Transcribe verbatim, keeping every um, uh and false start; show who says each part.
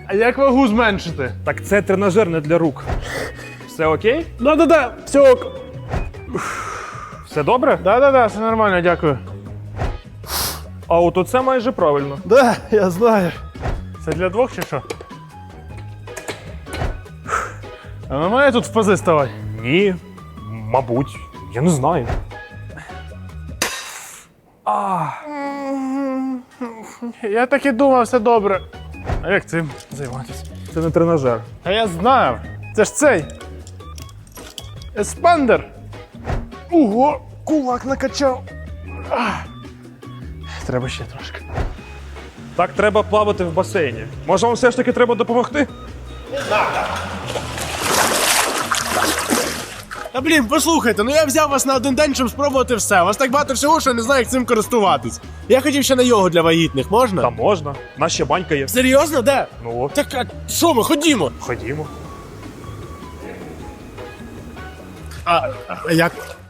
Speaker 1: А як вагу зменшити?
Speaker 2: Так це тренажер не для рук. Все окей?
Speaker 1: Да-да-да, все ок.
Speaker 2: Все добре?
Speaker 1: Да-да-да, все нормально, дякую.
Speaker 2: А от оце майже правильно.
Speaker 1: Да, я знаю. Це для двох чи що? А нормально тут в пози ставати?
Speaker 2: Ні, мабуть, я не знаю. А,
Speaker 1: Я так і думав, все добре. А як цим займатися?
Speaker 2: це не тренажер.
Speaker 1: А я знав. Це ж цей. Еспандер. Ого, кулак накачав. Ах. Треба ще трошки.
Speaker 2: Так треба плавати в басейні. Може, вам все ж таки треба допомогти?
Speaker 1: Та блін, послухайте, ну я взяв вас на один день, щоб спробувати все. У вас так багато всього, що я не знаю, як цим користуватись. Я хотів ще на йогу для вагітних, можна?
Speaker 2: Та можна. У нас ще банька є.
Speaker 1: Серйозно, де?
Speaker 2: Ну от,
Speaker 1: Так, а що ми, ходімо.
Speaker 2: ходімо.
Speaker 1: А, а як?